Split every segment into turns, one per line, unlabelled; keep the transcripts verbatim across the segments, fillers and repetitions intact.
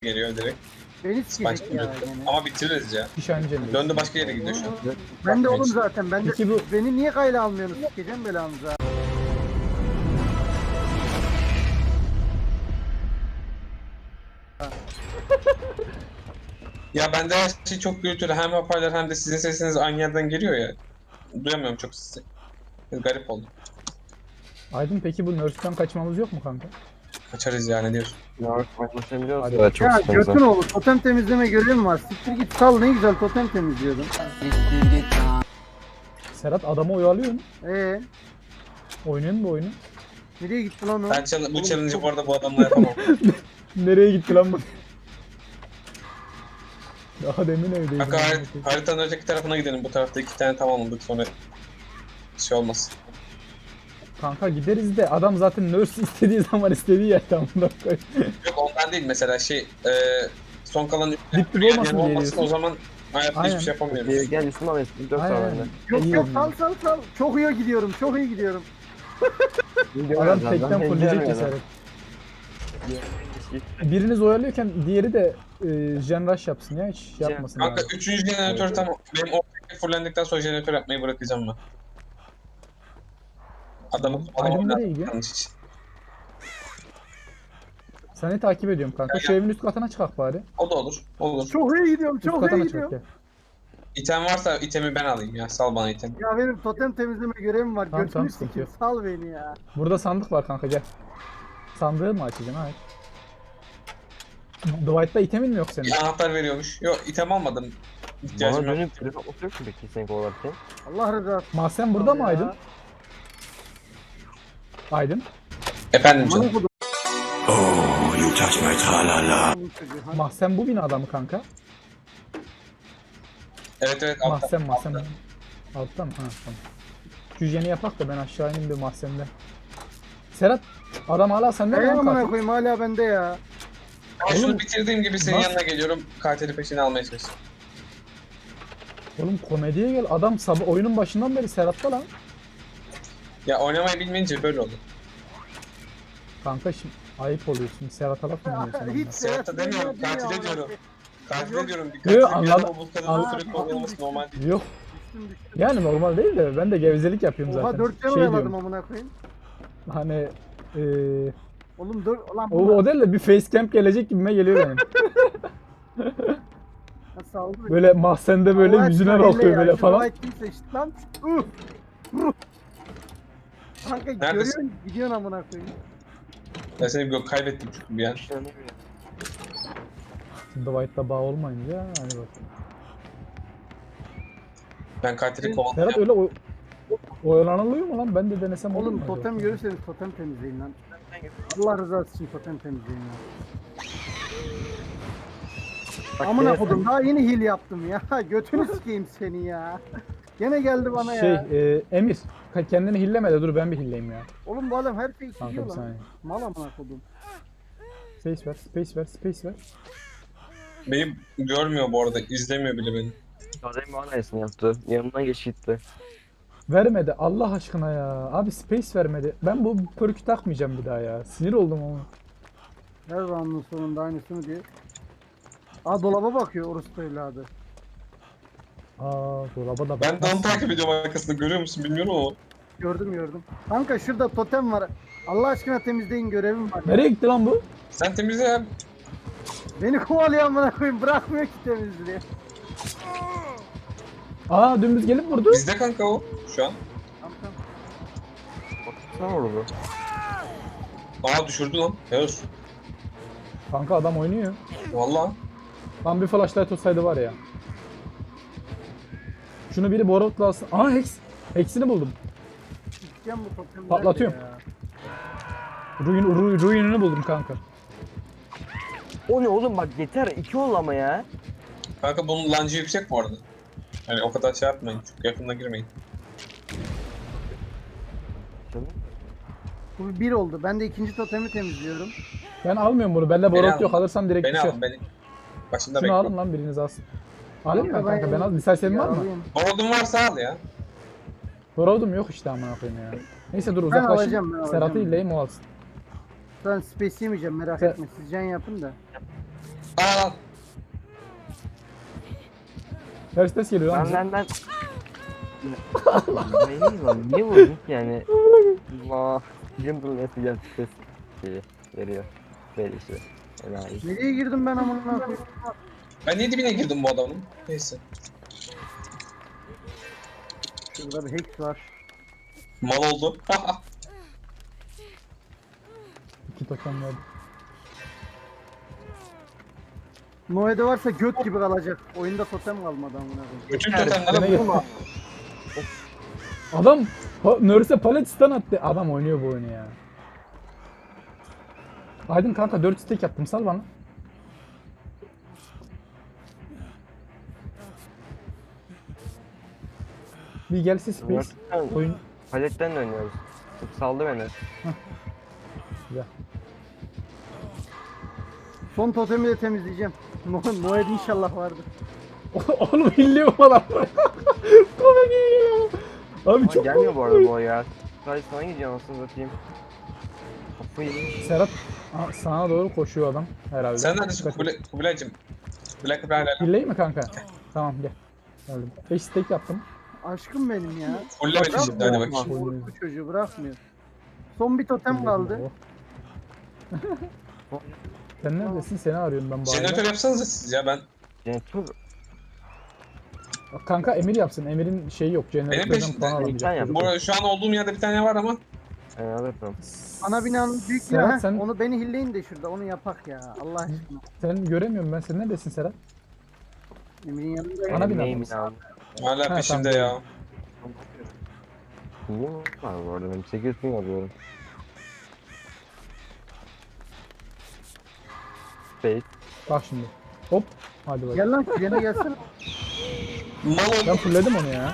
geliyor direkt.
Beni sikecek
Başka
ya
bir-
gene.
Ama bitiririz ya.
Nişancı
Döndü başka yere gidiyor şu an.
Ben de oğlum zaten. Ben de
Peki bu-
beni niye kayla almıyorsunuz? Sikeceğim belanıza.
Ya bende her şey çok gürültülü. Hem hoparlör hem de sizin sesiniz aynı yerden geliyor ya. Duyamıyorum çok sizi. Garip oldu.
Aydın peki bu Nerf'ten kaçmamız yok mu kanka?
Kaçarız yani diyorsun.
York maçını biliyor musun?
Hadi.
Evet, çok
Ya
sıkıntı.
götün oğlu totem temizleme görevim var. Siktir git sal ne güzel totem temizliyordum.
Serhat adamı oyalıyorsun.
Eee
Oynuyorsun bu oyunu.
nereye gitti lan o?
Ben challenge- bu
Oğlum,
challenge'ı
çok-
bu arada bu adamla yapamam.
Nereye gitti lan bu? Daha demin evdeydim.
Kanka harit- haritanın öteki tarafına gidelim. Bu tarafta iki tane tamamladık sonra şey olmaz.
Kanka gideriz de adam zaten nurse istediği zaman istediği yer tamam da koy.
Yok ondan değil mesela şey e, son kalan
Dip dip
yer
olmasın diye
olmasın
diyorsun.
o zaman hayatta
Aynen.
hiçbir şey yapamıyoruz.
Gel, gel üstüne al eski dört
Aynen.
var bende.
Yok
İyi
yok
oynuyor.
sal sal sal. Çok iyi gidiyorum. Çok iyi gidiyorum.
Adam tekten fulleyecek ki Serhat. Biriniz oyalıyorken diğeri de e, Gen Rush yapsın ya hiç yapmasın.
Kanka
abi.
üçüncü jeneratör tamam. Benim ortaya fullendikten sonra jeneratör yapmayı bırakacağım ben. Adamı
Aydın
adamı
nereye gidiyor?
yanlış hiç.
Seni takip ediyorum kanka. Şu evin üst katına çıkak bari.
O da olur. Olur.
Çok iyi gidiyorum.
Üst
Çok iyi
katına çıkak
gidiyorum.
gel.
İtem varsa itemi ben alayım ya. Sal bana item.
Ya benim totem temizleme görevim var.
Tamam,
Götünü
tamam, sıkıntı
sikeyim.
yok.
Sal beni ya.
Burada sandık var kanka gel. Sandığı mı açacaksın? Hayır. Dwight'ta itemin mi yok senin?
Bir anahtar veriyormuş. Yok item almadım.
Bana
İhtiyacım yok.
dönüp telefon yok mu peki sen kovalarken?
Allah rızası.
Mahsen burada mı
ya.
Aydın? Aydın.
Efendim
Aman
canım.
okudum.
Oh, you touch my tra-la-la.
Mahsen bu binada mı kanka?
Evet evet. altta.
Mahsen mahsen. Altta mı? Ha tamam. Şu jeni yapak da ben aşağı ineyim bir mahsende. Serhat adam hala sende mi
Ne
lan
amına
katil?
koyayım hala bende ya.
Ben şunu
Oğlum,
bitirdiğim gibi senin
nasıl-
yanına geliyorum. Katili peşine almaya çalışıyorum.
Oğlum komediye gel adam sabah oyunun başından beri Serhat'ta lan.
Ya oynamayı bilmeyince böyle oldu.
Kanka şimdi ayıp oluyor şimdi Serhat'a laf mı diyorsun?
Hiç
ondan?
Serhat'a demiyorum,
demiyor,
katile
demiyor
diyorum. Katile
Yok.
diyorum. Bir
Yok,
katil bir
anladım.
adamı bu kadar
Anladım.
sürekli oynaması normal değil.
Yok
Düştüm düştüm.
yani normal değil de ben de gevezelik yapıyorum
Oha
zaten.
dört can
Şey
oyaladım
diyorum,
amına koyayım.
hani eee
Oğlum dur ulan
o,
bu
o değil de bir facecamp gelecek gibime geliyor benim.
nasıl aldı?
Böyle mahzende böyle
Allah
yüzüne
aşkına
bakıyor
elle
böyle
ya, şu
falan.
olay kim seçti lan? Uh! Uh! Kanka görüyorsun gidiyorsun amına koyayım.
Ben seni gö- kaybettim çünkü bir an.
Şimdi White'da bağ olmayınca hani bak.
Ben katili
Serhat
kovalayacağım.
öyle o oyalanılıyor mu lan? Ben de denesem olur mu?
Oğlum
acaba?
totem görürseniz totem temizleyin lan. Allah rızası için totem temizleyin ya. Amına kodum daha yeni heal yaptım ya. Götünü sikeyim seni ya. Gene geldi bana
Şey
ya.
e, Emir ka- kendini hilleme de dur ben bir hilleyim ya.
Oğlum bu adam her şeyi
Kanka
sikiyor
bir
lan.
saniye.
Mal amına kodum.
Space ver, space ver, space ver.
Beni görmüyor bu arada. İzlemiyor bile beni.
Adem bana esni yaptı. Yanımdan geç gitti.
Vermedi Allah aşkına ya. Abi space vermedi. Ben bu perk'ü takmayacağım bir daha ya. Sinir oldum ama.
Her roundun sonunda aynısını diyor. Aa dolaba bakıyor orospu evladı.
Aa dolaba da
Ben de
bak.
onu takip ediyorum arkasında. Görüyor musun bilmiyorum ama.
Gördüm gördüm. Kanka şurada totem var. Allah aşkına temizleyin görevim var.
Nereye gitti lan bu?
Sen temizle ya.
Beni kovalıyor amına koyayım bırakmıyor ki temizliği.
Aa dümdüz gelip vurdu.
Bizde kanka o şu an.
Tamam tamam.
Sen vurdu.
Aa düşürdü lan. Helal olsun.
Kanka adam oynuyor.
Valla.
Lan bir flashlight olsaydı var ya. Şunu biri borotla alsın. Aa Hex. Hex'ini buldum.
Sikeceğim bu totemleri
Patlatıyorum.
ya.
Ruin, ru, ruinini buldum kanka.
O ne oğlum bak yeter iki ol ama ya.
Kanka bunun lancı yüksek bu arada. Hani o kadar şey yapmayın. Çok yakınına girmeyin.
Bu bir oldu. Ben de ikinci totemi temizliyorum.
Ben almıyorum bunu. Bende
Beni
borot
al.
yok. Alırsam direkt
Beni
düşer.
al beni. Başında
Şunu
bekle.
alın lan biriniz alsın. Alayım mı ben
Kanka
kanka? Ben al. Misal senin var mı?
Yaralıyım.
Borodun varsa al ya.
Borodum yok işte amına koyayım ya. Neyse dur
alacağım,
uzaklaşayım.
ben alacağım.
Serhat'ı illeyim o alsın.
Ben space yemeyeceğim merak
Sen-
etme. Siz can yapın da.
Aa,
Ters ters geliyor lan
Ben
bize.
ben ben. Benim lan niye vurdun ki yani? Allah. Jumble nasıl gel ses şeyi veriyor. Böyle işte. Enayi.
Nereye girdim ben amına koyayım?
ben niye dibine girdim bu adamın? Neyse.
Şurada bir hex var.
Mal oldu.
İki totem verdi.
Noe'de varsa göt gibi kalacak. Oyunda totem kalmadı amına koyayım.
Bütün
Yani,
totemlere
Gene
vurma.
Adam pa Nurse palet stun attı. Adam oynuyor bu oyunu ya. Aydın kanka dört stack yaptım sal bana. Bir gelse space. Oyun
Paletten de oynuyoruz. Saldı beni.
güzel.
Son totemi de temizleyeceğim. No Noe'de inşallah vardır.
Oğlum hilli mi adam? Komik geliyor. Abi
Ama
çok
gelmiyor bu arada bu ya. Sadece sana gidiyor anasını satayım. Kafayı yemiş.
Serhat Aa, sana doğru koşuyor adam herhalde.
Sen neredesin
Dikkat et.
Kubilay, Kubilaycım? Kubilay Kubilay hala.
Hilleyim mi kanka? Tamam gel. Geldim. beş stack yaptım.
Aşkım benim ya.
Fulle beni şimdi hadi bakayım.
Oynuyor.
Bu çocuğu bırakmıyor. Son bir totem kaldı.
Sen neredesin? Seni arıyorum ben bu
Jeneratör
arada.
yapsanıza siz ya ben.
Jeneratör
Kanka Emir yapsın. Emir'in şeyi yok. Jeneratörden
peşimde.
puan
Sen
alamayacak.
yap.
Bu arada şu an olduğum yerde bir tane var ama.
ben alırım.
Ana binanın büyük
Serhat,
ya.
sen-
Onu beni hilleyin de şurada onu yapak ya. Allah aşkına.
Sen göremiyorum ben. Sen neredesin Serhat?
Emir'in yanındayım.
Ana bina
Neyim
mısın?
ya?
Hala
Ha,
peşimde
tamam.
ya.
Niye var bu arada benim sekiz bin alıyorum. Space.
Bak şimdi. Hop. Hadi bak.
Gel lan yine gelsene.
Mal
Ben
oldu.
fullledim onu ya.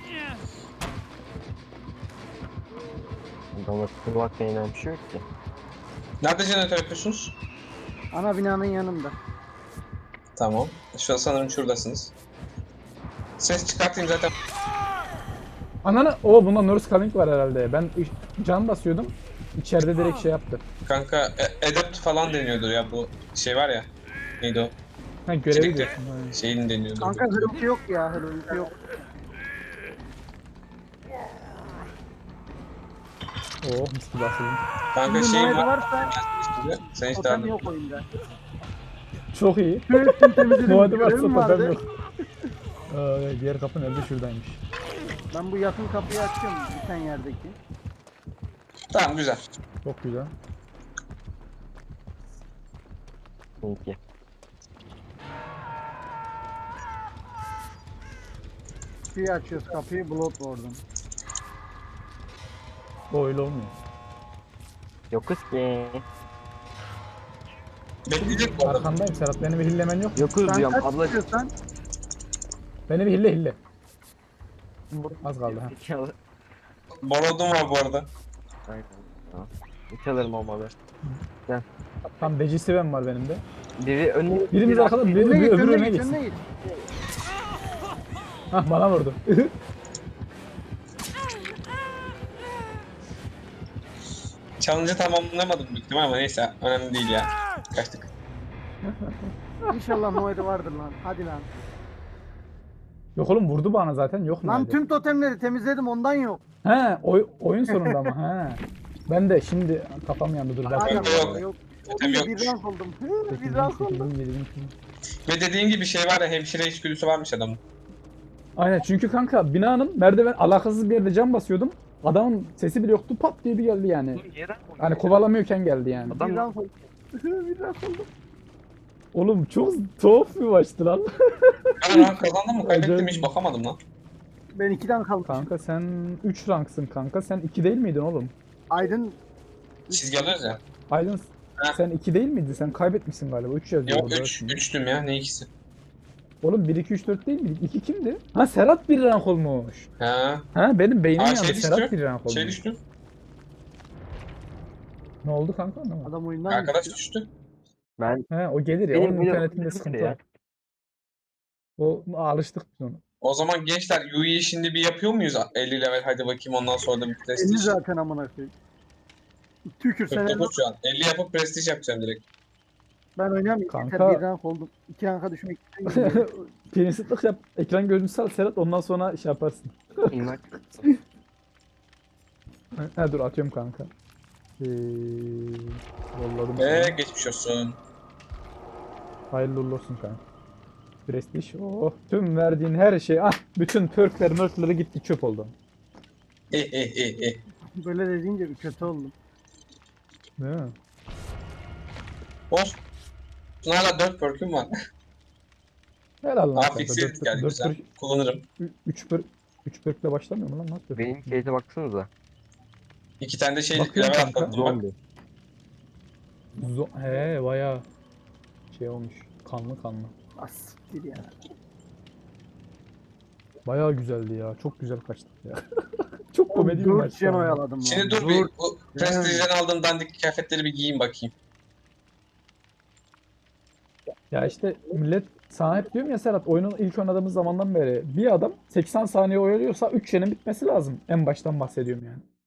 Adamla kırmak beğenen bir şey yok ki.
Nerede jeneratör yapıyorsunuz?
Ana binanın yanında.
Tamam. Şu an sanırım şuradasınız. Ses çıkartayım zaten.
Ananı. Oo bunda Nurse Calling var herhalde. Ben iş- can basıyordum. İçeride direkt şey yaptı.
Kanka e- Adept falan deniyordur ya bu şey var ya. Neydi o?
Ha görevi
Çelikte.
diyorsun. Ha.
Şeyin deniyordur.
Kanka hırıltı yok ya hırıltı yok.
Oo mis gibi asıldım.
Kanka
Şimdi
şey
Noe'de
var.
varsa
Sen işte
totem
anladın.
yok oyunda.
Çok iyi.
Tüm temizledim.
Muad'ı varsa
görevim
totem
vardı.
yok. Aa, diğer kapı nerede? Şuradaymış.
Ben bu yakın kapıyı açıyorum biten yerdeki.
Tamam güzel.
Çok güzel.
Peki.
Kapıyı açıyoruz kapıyı Bloodborne'dan.
O öyle olmuyor.
Yokuz ki.
Bekleyecek bu adam.
Arkandayım Serhat. Beni bir hillemen yok.
Yokuz
Sen
diyorum
kaç
abla.
istiyorsan
Beni bir hille hille. Az kaldı ha.
Zekalı.
Balodum var bu arada.
Aynen. Tamam. Hiç alırım olmalı.
Tam becisi ben var benim de.
Biri önüne
Birimiz arkada, biri,
önüne
biri
git
öbürü
önüne
öne
git
gitsin.
önüne git.
Hah bana vurdu.
Challenge'ı tamamlamadım büyük ihtimal ama neyse önemli değil ya. Kaçtık.
İnşallah Noe'de vardır lan. Hadi lan.
Yok oğlum vurdu bana zaten. Yok
Lan
nerede?
tüm totemleri temizledim ondan yok.
He oy, oyun sonunda ama he. Ben de şimdi kafam yandı dur.
Hala
Belki
Yok, yok.
yok.
Totem
Bir
yokmuş.
rank oldum. Hı, Bir rank oldum.
Ve dediğin gibi şey var ya hemşire içgüdüsü varmış adamın.
Aynen çünkü kanka binanın merdiven alakasız bir yerde cam basıyordum. Adamın sesi bile yoktu pat diye bir geldi yani. Hani kovalamıyorken geldi yani.
Bir rank oldum. Bir rank oldum.
Oğlum çok tuhaf bir maçtı lan.
Ben rank kazandım mı kaybettim
Acayip.
hiç bakamadım lan.
Ben ikiden kaldım.
Kanka sen üç ranksın kanka. Sen iki değil miydin oğlum?
Aydın
Çizgi alıyoruz ya.
Aydın
Ha.
sen iki değil miydin? Sen kaybetmişsin galiba. üç yazıyor.
Yok
orada
üç.
şimdi.
üçtüm ya ne ikisi.
Oğlum bir iki üç dört değil miydik? iki kimdi? Ha Serhat bir rank olmuş.
Ha.
Ha benim beynim
Aa,
yandı.
şey
Serhat
düştü.
bir rank olmuş.
Şey düştü.
Ne oldu kanka? Ne oldu?
adam oyundan
Arkadaş
düştü.
düştü.
Ben
He o gelir ya.
Benim
Onun
böyle-
internetinde sıkıntı
ya.
var. O alıştık biz ona.
O zaman gençler U E'yi şimdi bir yapıyor muyuz? elli level hadi bakayım ondan sonra da bir
elli
prestij.
zaten amına koyayım. Tükür sen
kırk dokuz şu an. elli yapıp prestij yapacağım direkt.
Ben oynamayayım.
Kanka-
Yeter bir rank oldum. İki ranka düşmek istemiyorum.
Prensiplik yap. Ekran görüntüsü al Serhat, ondan sonra şey yaparsın.
İnmak.
Ha dur atıyorum kanka. Ee, yolladım
Ve
sana.
geçmiş olsun.
Hayırlı uğurlu olsun kanka. Prestij. Oh, tüm verdiğin her şey. Ah, bütün perkler mörkleri gitti, çöp oldu.
Eh eh eh eh.
Böyle dediğince bir kötü oldum.
Değil mi?
Olsun. Hala dört perk'üm var.
Helal lan kanka.
Afiksiyet geldi
dört
güzel.
perk,
Kullanırım.
üç perk, üç perkle başlamıyor mu lan? Nasıl?
Benim case'e baksanıza.
İki tane de şey
Bakıyorum
level
kanka.
atlattım bak.
Zombi.
Zo- He bayağı şey olmuş. Kanlı kanlı.
Asiktir ya.
Bayağı güzeldi ya. Çok güzel kaçtık ya. Çok komedi bir
Dört
maçtı
can
ama.
oyaladım lan.
Şimdi dur bir bu Prestige'den aldığım dandik kıyafetleri bir giyeyim bakayım.
Ya işte millet sana hep diyorum ya Serhat, oyunun ilk oynadığımız zamandan beri bir adam seksen saniye oyalıyorsa üç yenin bitmesi lazım. En baştan bahsediyorum yani.